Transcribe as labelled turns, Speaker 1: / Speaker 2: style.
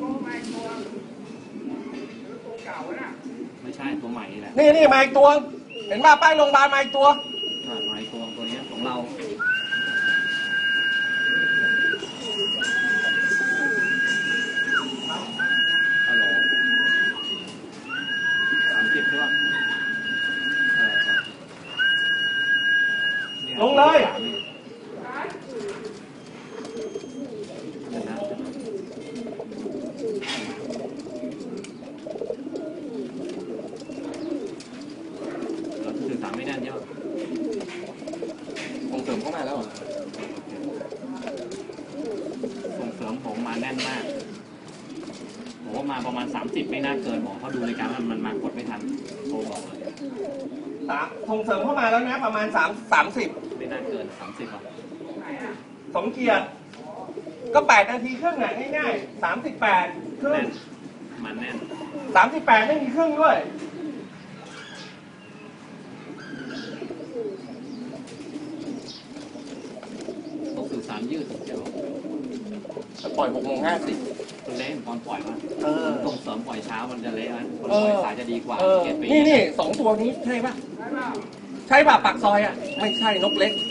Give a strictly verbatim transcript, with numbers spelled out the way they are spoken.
Speaker 1: ไม่ใช่ตัวใหม่แหละ
Speaker 2: นี่นี่มาอีกตัวเห็นป่ะป้ายโรงพยาบาลมาอีกตัว
Speaker 1: มาอีกตัวตัวนี้ของเราฮัลโหลสามสิบใช่ป่ะ
Speaker 2: ลงเลย
Speaker 1: สื่อสารไม่แน่นใช่ไหม
Speaker 2: ส่งเสริมเข้ามาแล้ว
Speaker 1: ส่งเสริมผมมาแน่นมากผมว่ามาประมาณสามสิบไม่น่าเกินหมอเขาดูรายการมันมันมากดไม่ทันโทรบอกเลย
Speaker 2: สามส่งเสริมเข้ามาแล้วนะประมาณสามสามสิบ
Speaker 1: ไม่น่าเกินสามสิบอ่ะ
Speaker 2: สมเกียรติก็แปดนาทีครึ่งอ่ะง่ายๆสามสิบแปดครึ่ง
Speaker 1: มันแน่น
Speaker 2: สามสิบแปดไม่มีครึ่งด้วย
Speaker 1: ต้องสื่อสารยืดเดี๋ยว
Speaker 2: ปล่อยหกโมงห้าสิบ
Speaker 1: ตัวเละตอนปล่อยมาส่งเสริมปล่อยเช้ามันจะเละนะคนป
Speaker 2: ล่
Speaker 1: อยสายจะดีกว่า
Speaker 2: นี่นี่สองตัวนี้ใช่ป่ะใช่ป่ะปากซอยอ่ะไม่ใช่นกเล็ก